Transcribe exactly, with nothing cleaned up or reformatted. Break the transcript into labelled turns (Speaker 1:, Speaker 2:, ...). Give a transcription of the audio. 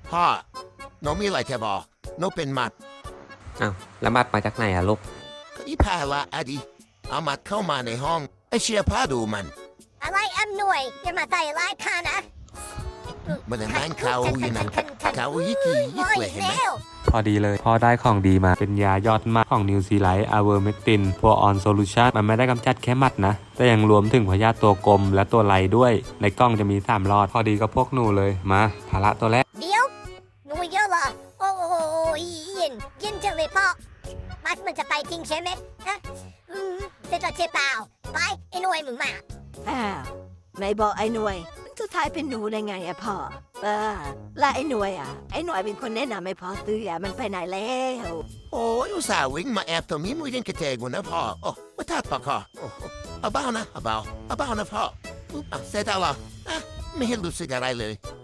Speaker 1: พ่อหนูมีอะไรจะบอกหนูเป็นหมัด
Speaker 2: อ้าวแล้วบัตรมาจากไหนอะลูก
Speaker 1: ก็อีพาละอดีเอามัดเข้ามาในห้องไอเชียพาดูมัน
Speaker 3: อะไรอำนวยอย่ามาใส่ร้ายข้านะ
Speaker 1: มันนั่งเขาอยู่นั่นเขายิกยิกเลยเห็นไหม
Speaker 3: แล้ว
Speaker 4: พอดีเลยพอได้ของดีมาเป็นยายอดมากของนิวซีไลท์อาเวอร์เมตินพัวออนโซลูชันมันไม่ได้กำจัดแค่หมัดนะ แต่ยังรวมถึงพยาธิตัวกลมและตัวไหลด้วย ในกล้องจะมีสามหลอด พอดีกับพวกหนูเลยมาภาระตัวแรก
Speaker 3: เดี๋ยวหนูเยอะเหรอโอ้โหเย็นเย็นจังเลยพ่อมัดมันจะไปจริงใช่ไหมฮะอืมเสร็จแล้วใช่เปล่าไปไอ้หน่วยมึงมา
Speaker 5: อ้าวไหนบอกไอ้หน่วยมันจะทายเป็นหนูได้ไงอะพ่อเออแล้วไอ้หน่วยอะไอ้หน่วยเป็นคนแนะนำให้พ่อซื้ออะมันไปไหนแล้ว
Speaker 1: โอ้ยอุตส่าห์วิ่งมาแอบตรงนี้มือยังกระเจงนะพ่อโอ้ว่าทัดปะคอโอ้เอาเบานะเอาเบาเอาเบานะพ่ออุ๊บอ่ะเสร็จแล้วเหรออ่ะไม่เห็นรู้สึกอะไรเลย